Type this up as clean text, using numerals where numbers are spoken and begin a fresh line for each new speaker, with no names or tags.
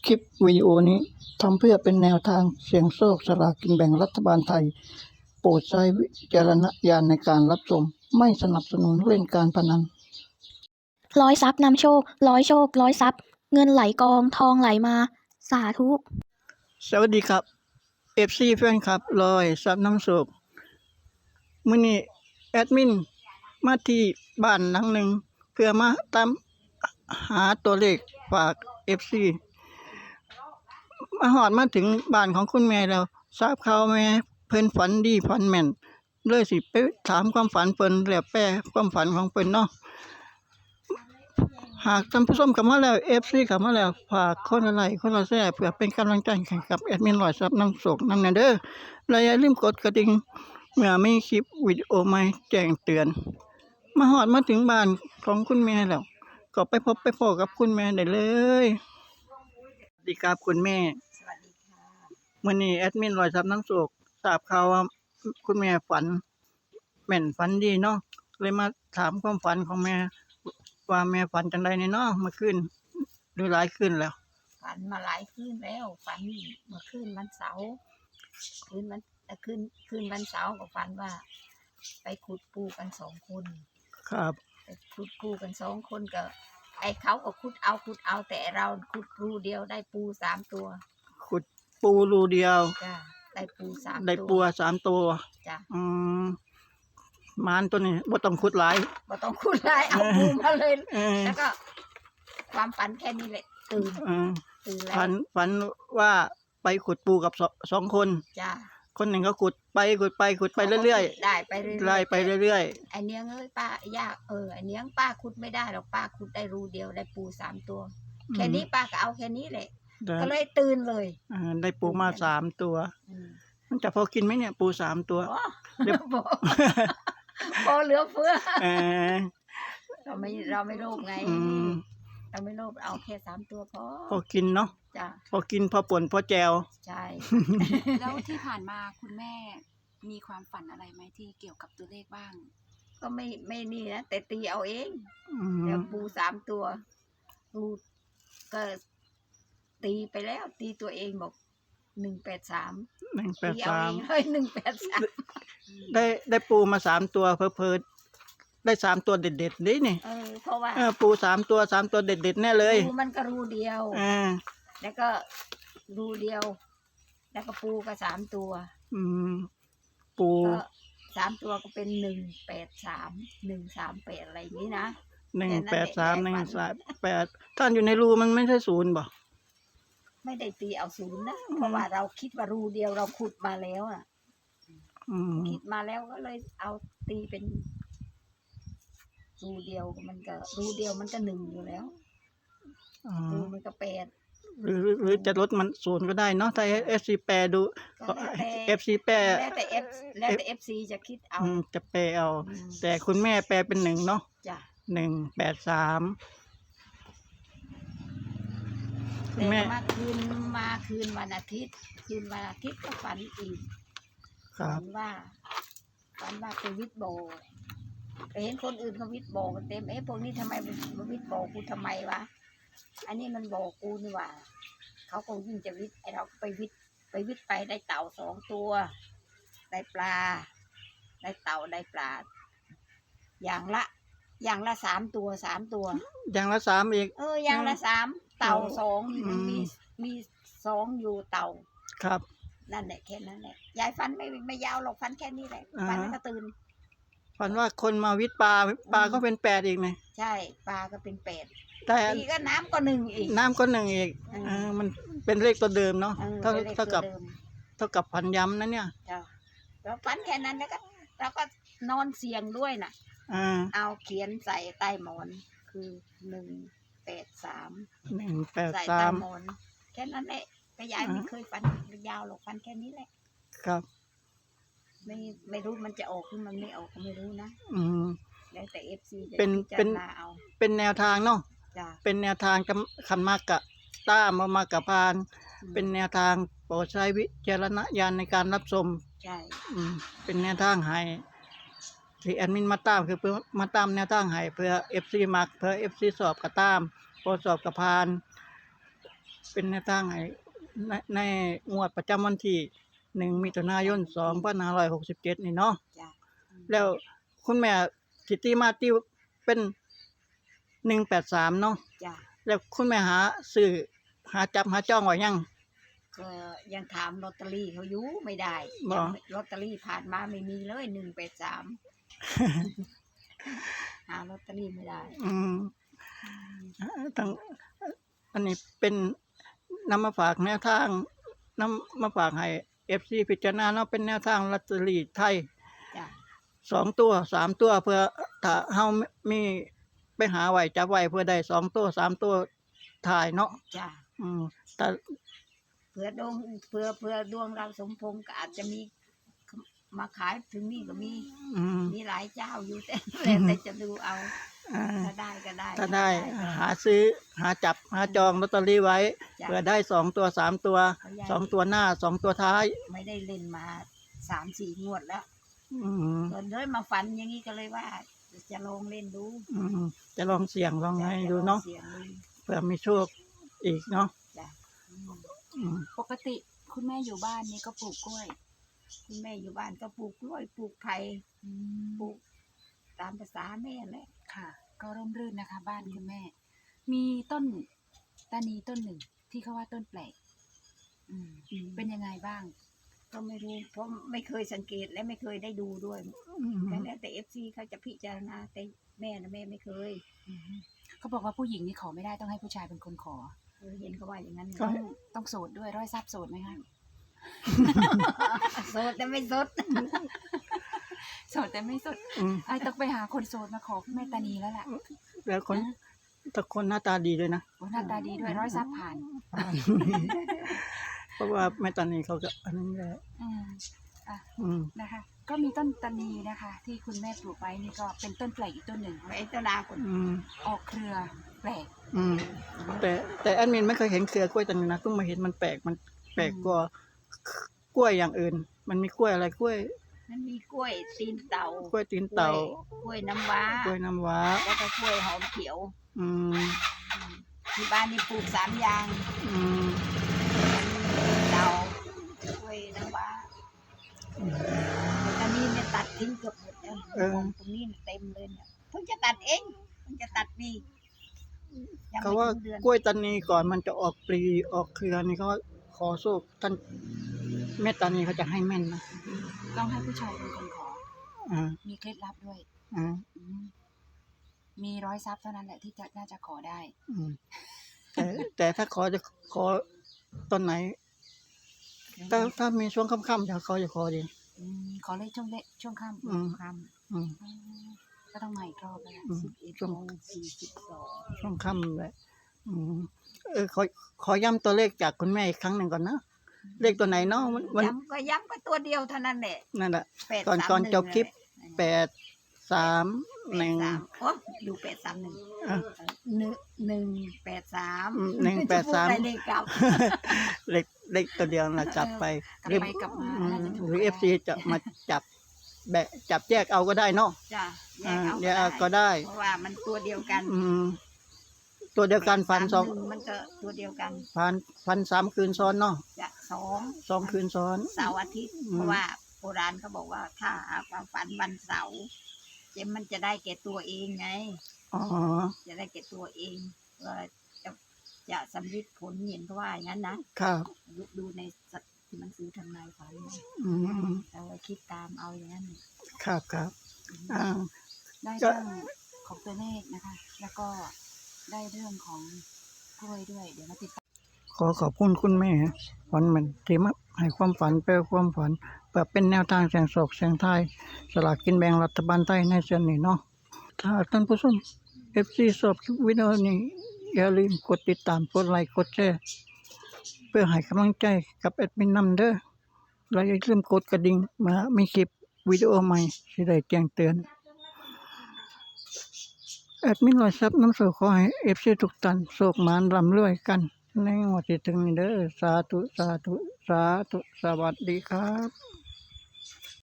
คลิปวิดีโอนี้ทำเพื่อเป็นแนวทางเสี่ยงโชคสลากกินแบ่งรัฐบาลไทยโปรดใช้วิจารณญาณในการรับชมไม่สนับสนุนเล่นการพนัน
ร้อยทรัพย์นำโชคร้อยโชคร้อยทรัพย์เงินไหลกองทองไหลมาสาธุ
สวัสดีครับFC แฟนคลับลอยทรัพย์น้ำโชคมื้อนี้แอดมินมาที่บ้านหลังหนึ่งเพื่อมาตามหาตัวเลขฝาก FC มาถึงบ้านของคุณแม่แล้วทราบข่าวแม่เพิ่นฝันดีฝันแม่นเลยสิไปถามความฝันเพิ่นแล้วแปลความฝันของเพิ่นเนาะหากท่านผู้ชมเข้ามาแล้ว FC เข้ามาแล้วฝากคนละไลค์คนละแชร์เพื่อเป็นกำลังใจให้กับแอดมินร้อยทรัพย์น้ำโชคนำแน่เด้อและอย่าลืมกดกระดิ่งเมื่อมีคลิปวิดีโอใหม่แจ้งเตือนมาถึงบ้านของคุณแม่แล้วก็ไปพบไปพบกับคุณแม่ได้เลยสวัสดีครับคุณแม่
สวัสดีค่ะ
มื้อนี้แอดมินร้อยทรัพย์น้ำโชคทราบข่าวว่าคุณแม่ฝันแม่นฝันดีเนาะเลยมาถามความฝันของแม่ว่าแม่ฝันจังได๋เนาะเมื่อคืนหรือหลายคืนแล้ว
ฝันมาหลายคืนแล้วฝันเมื่อคืนวันเสาร์คืนวันคืนวันเสาร์ก็ฝันว่า ไปขุดปูกัน2 คน
ครับ
ไปขุดปูกัน2 คนก็ไอ้เขาก็ขุดเอาแต่เราขุดรูเดียวได้ปู3 ตัว
ขุดปูรูเดียว
จ้ะได้ปู3 ตัว
ได้ปู3 ตัว
จ้ะ
มารตัวนี้บ่ต้องขุดหลาย
บ่ต้องขุดหลายเอาปูมาเลยแล้วก็ความฝันแค่นี้แหละตื่นแล้ว
ฝันว่าไปขุดปูกับ2 คน
จ้ะ
คนหนึ่งก็ขุดไปเรื่อย
ๆได้ไปเรื่อยๆ
ไล่ไปเรื่อย
ไอ้เนี้ยเอ้ยป้ายากไอ้เนี้ยป้าขุดไม่ได้หรอกป้าขุดได้รูเดียวได้ปู3 ตัวแค่นี้ป้าก็เอาแค่นี้แหละก็เลยตื่นเลย
ได้ปูมา3 ตัวมันจะพอกินไหมเนี่ยปู3 ตัว
เดี๋ยวพอเหลือเฟือเราไม่โลภไงเราไม่โลภเอาแค่3 ตัวพอ
กินเนาะ
จ้ะ
พอกินพอป่นพอแจว
ใช่
แล้วที่ผ่านมาคุณแม่มีความฝันอะไรไหมที่เกี่ยวกับตัวเลขบ้าง
ก็ไม่นี่นะแต่ตีเอาเองเดี๋ยวปู3 ตัวปูก็ตีไปแล้วตีตัวเองบอก183ตีเอาเองเลย183
ได้ปูมา3 ตัวเพอได้3 ตัวเด็ดๆนี่นี่
เพราะว่า
ปู3 ตัวเด็ดๆแน่เลย
ปูมันก็รูเดียวแล้วก็รูเดียวแล้วก็ปูก็3 ตัว
ปู
ก็3 ตัวก็เป็น183 138อะไรอย่างนี้นะ
183 138ท่านอยู่ในรูมันไม่ใช่0บ่
ไม่ได้ตีเอา0นะเพราะว่าเราคิดว่ารูเดียวเราขุดมาแล้วคิดมาแล้วก็เลยเอาตีเป็นรูเดียวมันก็รูเดียวมันก็1อยู่แล้วรูมันก็8
หรือจะลดมัน0ก็ได้เนาะถ้า FC แปรดู FC แปร
แล้วแต่ FC จะคิดเอา
จะแปรเอาแต่คุณแม่แปรเป็น1เนาะ
จ้ะ
183
คุณแม่มาคืนวันอาทิตย์ก็ฝันอีกฝันว่าไปวิทย์โบไปเห็นคนอื่นเขาวิทย์โบกันเต็มพวกนี้ทำไมมันวิทย์โบกูทำไมวะอันนี้มันโบกูนี่หว่าเขาคงยิ่งจะวิทย์ไอเราไปวิทย์ไปได้เต่า2 ตัวได้ปลาได้เต่าได้ปลาอย่างละ3 ตัว
อย่างละ3อีก
อย่างละ3เต่า2มันมี2อยู่เต่า
ครับ
นั่นแหละแค่นั้นแหละยายฟันไม่ยาวหรอกฟันแค่นี้แหละฟันก็ตื่น
ฝันว่าคนมาวิทย์ปลาก็เป็น8อีกไง
ใช่ปลาก็เป็น8
แต่
อีกก็น้ำก็1อีก
มันเป็นเลขตัวเดิมเนาะเท่ากับพันย้ำนะเนี่ย
แล้วฟันแค่นั้นแล้วก็เราก็นอนเสียงด้วยน่ะเอาเขียนใส่ใต้หมอนคือ183ใส่ใต้หมอนแค่นั้นแหละก็ยายไม่เคยฟันยาวหรอกฟันแค่นี้แหละ
ครับ
ไม่รู้มันจะออกหรือมันไม่ออกก็ไม่รู้นะแล้วแต่ FC จะ
เป็นแนวทางเนาะเป็นแนวทางคันมากกะต้ามากกะพานเป็นแนวทางโปรดใช้วิจารณญาณในการรับชม
ใช่
เป็นแนวทางให้ที่แอดมินมาตามคือเพื่อมาตามแนวทางให้เพื่อ FC มักเพื่อ FC สอบกะตามพอสอบกะพานเป็นแนวทางให้ในงวดประจำวันที่1มิถุนายน2567นี่เนาะ
จ้ะ
แล้วคุณแม่สิตีมาที่เป็น183เนาะ
จ้ะ
แล้วคุณแม่หาซื้อหาจับหาจ้องไว้ยัง
ก็ยังถามลอตเตอรี่เขาอยู่ไม่ได้
บ่
ยังไม่ลอตเตอรี่ผ่านมาไม่มีเลย183 หาลอตเตอรี่ไม่ได้
ทั้งอันนี้เป็นนำมาฝากแนวทางนำมาฝากให้ FC พิจารณาเนาะเป็นแนวทางลอตเตอรี่ไทย
จ้ะ
2ตัว3ตัวเพื่อถ้าเฮามีไปหาไว้จับไว้เพื่อได้2ตัว3ตัวถ่ายเนาะ
จ้ะ
แต่
เผื่อดวงเผื่อดวงเราสมพงษ์ก็อาจจะมีมาขายถึงนี่ก็มี มีหลายเจ้าอยู่แต่ แล้วแต่จะดูเอา
อ่า
ถ้าได้ก็ได้
ถ้าได้หาซื้อหาจับหาจองลอตเตอรี่ไว้
จ้ะ
เพื่อได้2ตัว3ตัว2ตัวหน้า2ตัวท้าย
ไม่ได้เล่นมา3-4 งวดแล้ว
อืม
เกินเลยมาฝันอย่างนี้ก็เลยว่า จะลองเล่นดู
จะลองเสี่ยงลองให้ดูเนาะ
เสียงดู
เผื่อมีโชคอีกเนาะ
จ้ะ
อืม
ปกติคุณแม่อยู่บ้านนี่ก็ปลูกกล้วย
คุณแม่อยู่บ้านก็ปลูกกล้วยปลูกไผ่ปลูกตามภาษาแม่แหละ
ค่ะ ก็ร่มรื่นนะคะ บ้านคุณแม่ มีต้นตานีต้นหนึ่งที่เขาว่าต้นแปลกเป็นยังไงบ้าง
ก็ไม่รู้เพราะไม่เคยสังเกตและไม่เคยได้ดูด้วยแต่แล้วแต่ FC เขาจะพิจารณาแต่แม่นะแม่ไม่เคย
เขาบอกว่าผู้หญิงนี่ขอไม่ได้ต้องให้ผู้ชายเป็นคนขอ
เห็นเขาว่าอย่างนั้น
ต้องโสดด้วยร้อยทรัพย์โสดไหมคะ
โสดแต่ไม่โสด
โสดแต่ไม่โสด
อืม
ไอ้ต้องไปหาคนโสดมาขอแม่ตานีแล้วล่ะ
แล้วคนถ้าคนหน้าตาดีด้วยนะ
โอ้หน้าตาดีด้วยร้อยทรัพย์ผ่าน
เพราะว่าแม่ตานีเขาก็อันนั้นแหละ
อืม
อืม
นะคะ ก็มีต้นตานีนะคะ ที่คุณแม่ปลูกไว้นี่ก็เป็นต้นแปลกอีกต้นหนึ่ง
ไอ้เจ้านาคน
ออกเครือแปลก
แต่แอดมินไม่เคยเห็นเครือกล้วยตานีนะเพิ่งมาเห็นมันแปลกกว่ากล้วยอย่างอื่น มันมีกล้วยอะไรกล้วย
มันมีกล้วยตีนเต่าก
ล้วยตีนเต่าก
ล้วยน้ำว้าก
ล้วยน้ำว้า
แล้วก็กล้วยหอมเขียว
อืม
ที่บ้านนี่ปลูก3 อย่าง
อืม
เต่ากล้วยน้ำว้าตอนนี้เนี่ยตัดทิ้งเกือบหมดแล้วตรงนี้เต็มเลยเนี่ยเพิ่งจะตัดเองเพิ่งจะตัดปียัง
เขา
ไม่
ว่า
ถึงเดือน
กล้วยตานีก่อนมันจะออกปลีออกเครือนี่เขาขอโชคท่านแม่ตานีเขาจะให้แม่นนะ
ต้องให้ผู้ชายเป็นคนขอ
อ่า
มีเคล็ดลับด้วย
อ่า
มีร้อยทรัพย์เท่านั้นแหละที่จะน่าจะขอได้
อืมแต่ถ้าจะขอตอนไหนถ้ามีช่วงค่ำๆจะเขาจะขอดี
ขอเลขช่วงค่
อืม
ค
อืม
ำก็ต้องมาอีกรอบแล้วแหละ
อืม
ำ
ช่วง
11:42
ช่วงค่ำแหละขอย้ำตัวเลขจากคุณแม่อีกครั้งหนึ่งก่อนนะเลขตัวไหนเนาะมัน
ย้ำก็ตัวเดียวเท่านั้นแหละ
นั่นแหละ
831
ก่อนจบคลิป
แหละ
831
โอ้ดู831
อ่ะ
183
183
ได้เลขกลับ
เลขตัวเดียวนะจับไป
กลับไปกลับมาน่าจะถูก
หรือ FC จะมาจับจับแยกเอาก็ได้เนาะ
จ้ะ
แยกเอาก็ได้
เพราะว่ามันตัวเดียวกัน
ตัวเดียวกันฟันสอง
831มันก็ตัวเดียวกัน
ฟัน3 คืนซ้อนเนาะ
จะ
2 คืนซ้อน
เสาร์อาทิตย์ เพราะว่าโบราณเขาบอกว่าถ้าหาความฝันวันเสาร์มันจะได้แก่ตัวเองไง
อ๋อ
จะได้แก่ตัวเองว่าจะสำลิดผลเห็นเขาว่าอย่างนั้นนะครับ ดูในหนังสือทำนายฝันนะ
อืม
เราคิดตามเอาอย่างนั้น
ครับอ่า
ได้เรื่องของตัวเลขนะคะ แล้วก็ได้เรื่องของกล้วยด้วย เดี๋ยวมาติดตาม
ขอบคุณคุณแม่ฝันเหมือนที่มาให้ความฝันแปลความฝันเพื่อเป็นแนวทางเสียงโศกเสียงไทายสลากกินแบ่งรัฐบาลไทยในส่วนนี้เนาะถ้าท่านผู้ชม FC ชอบคลิปวิดีโอนี้อย่าลืมกดติดตามกดไลค์กดแชร์เพื่อให้กำลังใจกับแอดมินนำเด้อและอย่าลืมกดกระดิ่งเมื่อมีคลิปวิดีโอใหม่สิได้แจ้งเตือนแอดมินร้อยทรัพย์น้ำโศกขอให้ FC ทุกท่านโศกหมานร่ำรวยกันในงวดที่ถึงนี้เด้อสาธุสวัสดีครับ